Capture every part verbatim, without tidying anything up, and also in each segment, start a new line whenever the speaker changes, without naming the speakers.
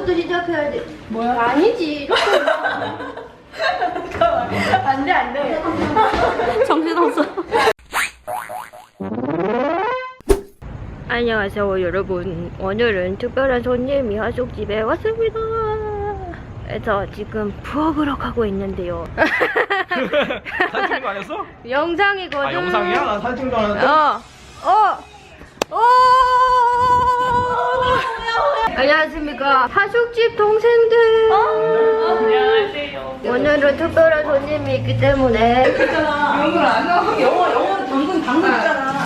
이거부터 시작해야지.
뭐야?
아니지.
안돼 안돼.
정신없어. 안녕하세요 여러분. 오늘은 특별한 손님이 하숙집에 왔습니다. 그래서 지금 부엌으로 가고 있는데요.
사진 찍는 거 아니었어?
영상이거든.
아 영상이야? 나 사진 찍는 줄 알았는데.
어. 어. 오! 안녕하십니까. 하숙집 동생들.
안녕하세요.
오늘은 특별한 손님이 있기 때문에.
있잖아. 영어 안 나와. 영어 영어 당근 당근 있잖아.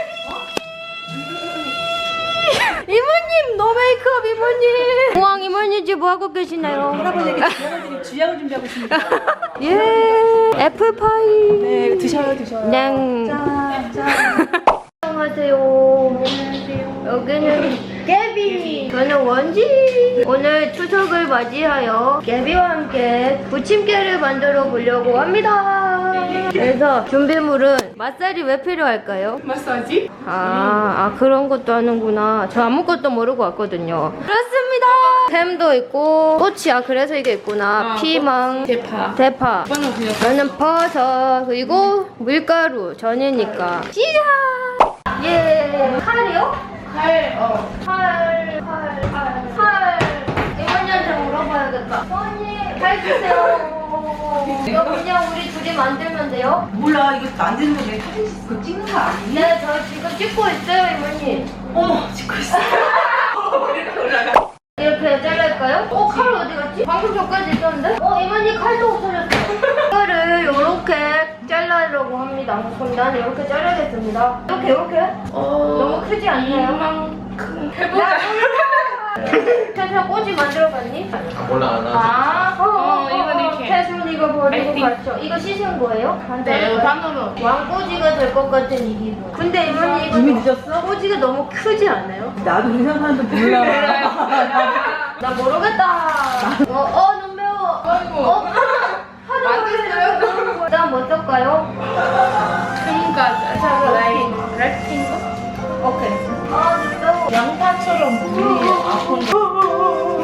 이모님 노 메이크업 이모님. 우왕 이모님 지금 뭐 하고 계시나요?
할아버지에게 할아버지에게 주약을 준비하고 있습니다.
예. 애플파이.
네 드셔요 드셔요.
네.
짠 짠.
안녕하세요. 여기는 깨비. 저는 원지. 오늘 추석을 맞이하여 깨비와 함께 부침개를 만들어 보려고 합니다. 그래서 준비물은 맛살이 왜 필요할까요?
마사지?
아, 아 그런 것도 하는구나. 저 아무것도 모르고 왔거든요. 그렇습니다. 햄도 있고 꼬치야. 그래서 이게 있구나.
아,
피망,
대파.
대파.
이거는 그냥
저는 버섯 그리고 밀가루 전이니까. 시작. 예. 칼이요?
칼. 어.
칼, 칼, 칼, 칼. 이모님한테 물어봐야겠다. 손님, 칼 주세요. 이거 그냥 우리 둘이 만들면 돼요?
몰라 이거 만드는 거내 사진 그 찍는 거 아니니?
네, 저 지금 찍고 있어요, 이모님.
어머 찍고 있어. 왜 이렇게 올라가?
이렇게 잘랄까요? 어, 칼 어디 갔지? 방금 전까지 있었는데? 어, 이모님 칼도 없어졌어. 이거를 이렇게 잘라려고 합니다. 그럼 나는 이렇게 자르겠습니다. 이렇게, 이렇게?
어.
너무 크지 않나요?
이만큼 해보자.
태수 꼬지 만들어봤니?
몰라 안 하지.
아, 어, 어,
어, 이건 이렇게.
태수 이거 버리고
알지?
갔죠? 이거 씻은 거예요?
네 반으로.
왕꼬지가 될 것 같은 이 기분. 근데 이모님 이거
이미 늦었어?
꼬지가 너무 크지 않아요?
나도 그렇게 생각하는데 몰라.
나 모르겠다. 어, 어, 너무 매워.
아이고.
어, 하도
만졌어요?
그다음 뭐 쓸까요?
큼가 자 라인 랩핑 거?
오케이. 아, 매워.
양파처럼 물이 아픈 거.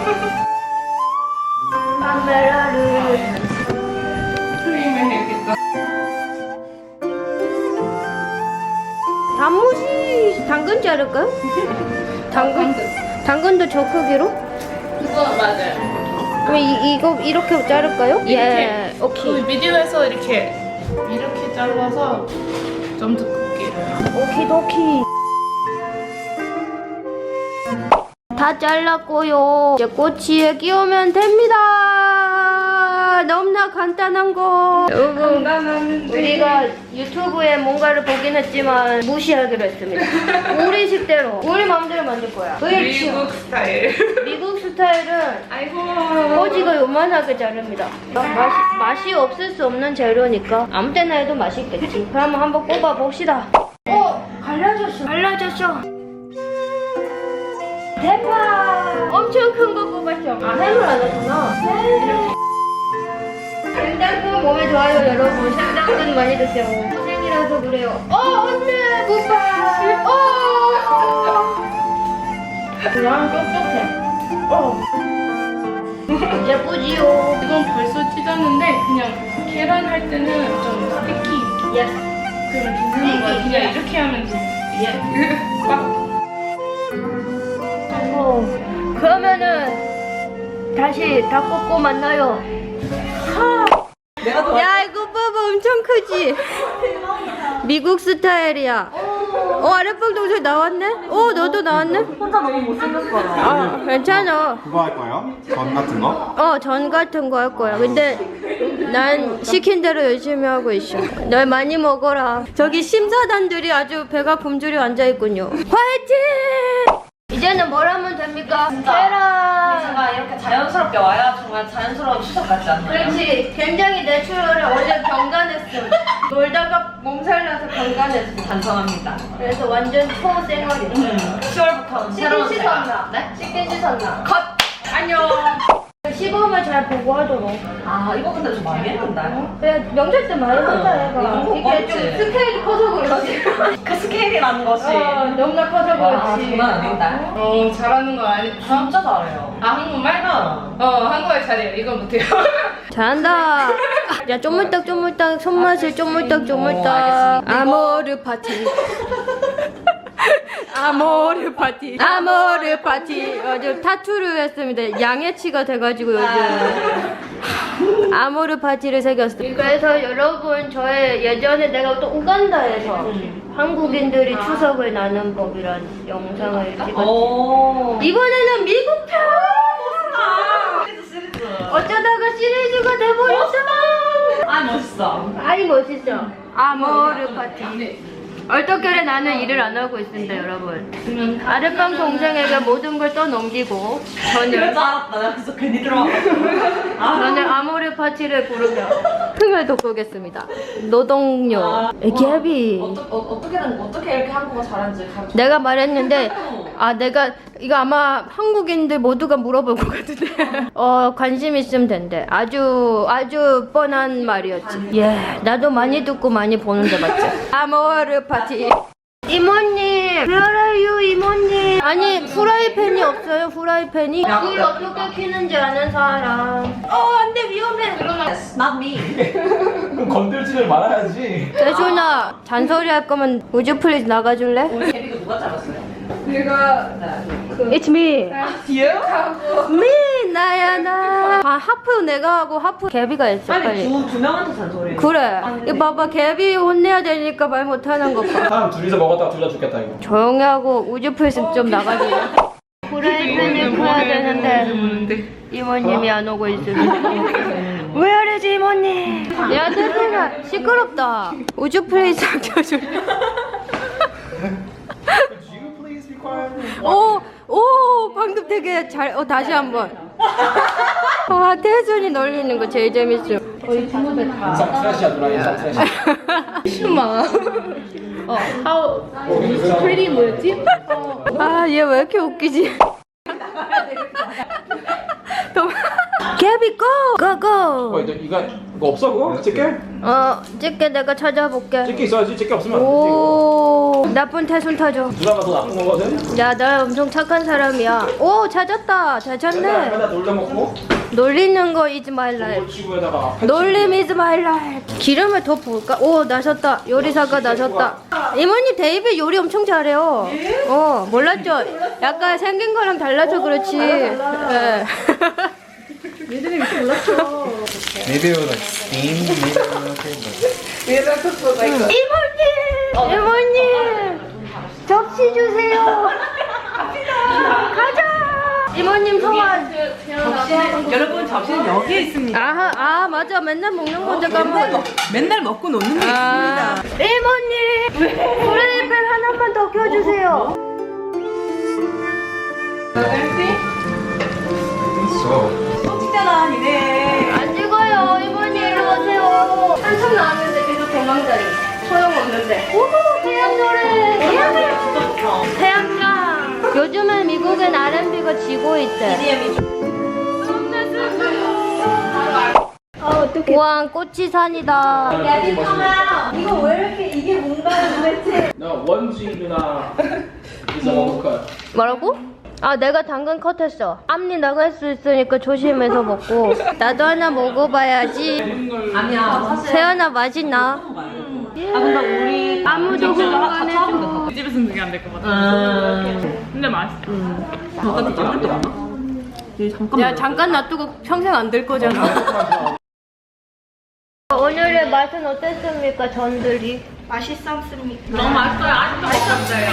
카메라를.
크림을 해야겠다.
단무지 당근 자를까요? 당근? 당근도 저 크기로?
그거 맞아요.
그럼 이, 이거 이렇게 자를까요?
이렇게.
예,
그
오케이.
미디어에서 이렇게 이렇게 잘라서 좀 더 크게.
오키도키. 다 잘랐고요. 이제 꼬치에 끼우면 됩니다. 너무나 간단한 거. 요거 우리가 유튜브에 뭔가를 보긴 했지만 무시하기로 했습니다. 우리 식대로 우리 마음대로 만들 거야. 그렇지.
미국 스타일.
미국 스타일은
아이고.
꼬지가 요만하게 자릅니다. 맛이, 맛이 없을 수 없는 재료니까 아무 때나 해도 맛있겠지. 그럼 한번 꼽아 봅시다. 어, 갈라졌어. 갈라졌어. 대박! 엄청 큰 거 꼽았죠? 아, 햄을 안 했구나. 네. 생당근 몸에 좋아요, 여러분. 생당근 많이 드세요. 고생이라서 그래요. 어, 언니! 굿바이! 어! 그냥 촉촉해. 어. 예쁘지요?
이건 벌써 찢었는데 그냥 계란 할 때는 좀 스티키.
예.
그러면 괜찮은 거야. 그냥 이렇게 하면 돼. 예. 꽉.
어, 그러면은 다시 다 꽂고 만나요.
내가 더
야, 이거 봐봐, 엄청 크지? 미국 스타일이야. 어, 아랫방 동생 나왔네? 어, 너도 나왔네?
혼자 너무 못생겼어.
아, 괜찮아.
그거 할 거예요? 전 같은 거?
어, 전 같은 거 할 거야. 근데 난 시킨 대로 열심히 하고 있어. 널 많이 먹어라. 저기 심사단들이 아주 배가 굶주려 앉아있군요. 화이팅! 이제는 뭘 하면 됩니까? 계란.
제가 이렇게 자연스럽게 와야 정말 자연스러운 추석 같지 않나요?
그렇지. 굉장히 내추럴해. 어제 경간했어. 놀다가 몸살나서 경간했어.
반성합니다.
그래서 완전 초생활이야.
시월부터는 새로운
씻긴
제가.
씻었나?
네?
씻긴 씻었나?
컷! 안녕!
시범을 잘 보고 하도록.
아 이거 근데 좀 많이 했는데.
그래 명절 때 많이 한다 얘가.
이거 못
이게 좀
봤지.
스케일이 커서 그렇지.
그 스케일이라는 것이.
어, 너무나 커서
와
그렇지.
장난 아닌데.
어 잘하는 거 아니?
진짜 잘해요.
아 한국말?
응.
어 한국말 잘해요. 이건 못해요.
잘한다. 야 쪼물딱 쪼물딱 손맛을 쪼물딱 쪼물딱. 아모르 파티. 아모르 파티. 아모르 파티. 요즘 타투를 했습니다. 양해치가 돼가지고 요즘. 아모르 파티를 새겼어. 그래서 여러분 저의 예전에 내가 또 우간다에서 한국인들이 추석을 나는 법이란 영상을 찍었지.
오.
이번에는 미국 편.
시리즈 시리즈.
어쩌다가 시리즈가 돼버렸어.
아 멋있어.
아이 멋있어. 아모르 파티. 얼떨결에 나는 일을 안 하고 있습니다, 여러분. 아랫방 동생에게 모든 걸 떠넘기고
그럴 줄
저는
알았다. 나 그래서 괜히 들어와가지고.
저는 아모르 파티를 부르며 흥을 돋구겠습니다. 노동요. 갭이.
어떠, 어, 어떻게든 어떻게 이렇게 한국어 잘하는지 가르쳐.
내가 말했는데 아 내가 이거 아마 한국인들 모두가 물어볼 것 같은데 어 관심 있으면 된대. 아주 아주 뻔한 말이었지. 예 나도 많이 듣고 많이 보는데 맞지? 아모르 파티. 이모님, where are you, 이모님? 아니 후라이팬이 없어요. 후라이팬이 불 어떻게 켜는지 아는 사람. 어 안돼 위험해.
Yes, not me.
그럼 건들지를 말아야지.
대준아 잔소리 할 거면 우주 플리즈 나가줄래?
우리 데뷔가 누가 잘랐어요?
내가
It's me.
뒤에요?
me 나야 나. 아 하프 내가 하고 하프 개비가 했어
빨리
빨리.
두, 두 명한테 잔소리.
그래. 이거 봐봐 개비 혼내야 되니까 말 못하는 거 봐.
사람 둘이서 먹었다가 둘 다 죽겠다 이거.
조용히 하고 우주 플리즈 좀 나가줄래? 후라이팬을 켜야 되는데 이모님이 안 오고 있습니다. 왜 이러지 이모님? 야 대준아 시끄럽다. 우주 플리즈 켜줄래? 오, 오, 방금 되게 잘, 어, 다시 한 번. 와, 태준이 놀리는 거 제일 재밌어.
인상 트래시야 누나 인상 트래시.
슈마. 어 how pretty 뭐였지?
아, 얘 왜 이렇게 웃기지? 더- 개비, 고! 고,
어,
고!
이거 이거 이거 없어 그거? 집게?
어, 찍게 내가 찾아볼게.
집게 있어야지. 집게 없으면 안 되지.
오, 나쁜 태순 타줘.
누나가 더 나쁜 거거든.
야, 나 엄청 착한 사람이야. 오, 찾았다. 잘 찾네.
맨날 놀려 먹고
놀리는 거 is my life.
골치구에다가
놀림 is my life. 기름을 더 부을까? 오 나셨다. 요리사가 나셨다. 이모님 데이비 요리 엄청 잘해요. 어 몰랐죠? 약간 생긴 거랑 달라서 그렇지. 예.
Maybe it was like steam. Maybe it was like
이모님, 이모님 접시 주세요. 가자. 이모님 소원.
여러분 접시는 여기에 있습니다.
아, 아 맞아 맨날 먹는 건데 까먹어.
맨날 먹고 노는 게
아, 이모님 프라이팬 하나만 더 켜주세요.
찍잖아 니네.
안 찍어요 이모님 이리 오세요. 한참 나왔는데 계속 도망다니 소용없는데. 우후 태양 노래. 태양 태양장. 요즘은 미국엔 알앤비가 지고 있대. 아 어떡해. 우와 꽃이산이다.
이거 왜 이렇게 이게 뭔가요 도대체?
나 원지 누나 is a cut.
뭐라고? 아 내가 당근 컷했어. 앞니 나갈 수 있으니까 조심해서 먹고. 나도 하나 먹어봐야지.
아니야 사실.
세연아 맛있나?
아 근데 우리
아무도
같이 하면 돼.
이 집에서는 그게 안 될 것 같아.
음.
근데 맛있어.
잠깐 잠깐 또 왔나? 얘 잠깐.
야 잠깐 놔두고 평생 안 될 거잖아. 오늘의 맛은 어땠습니까 전들이?
맛있었습니까?
너무 맛있어요. 아직도 맛있었어요.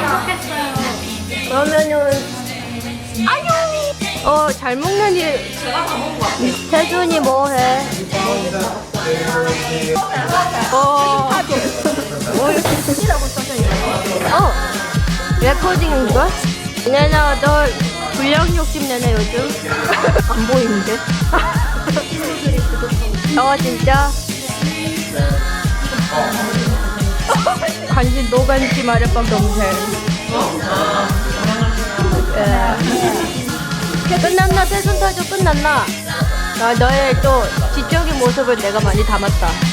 그러면은 안녕. 어 잘 먹는 일.
제가 다 먹은 거 같아요.
태준이 뭐해? 어. 뭐 이렇게 쓰시라고 써져 있어? 어. 레코딩인가? 내나 너 불량 욕심 내네 요즘. 안 보이는데? 어 진짜? 관심 노관심 아랫방 동생. 예. 끝났나? 세순타조 끝났나? 아, 너의 또 지적인 모습을 내가 많이 담았다.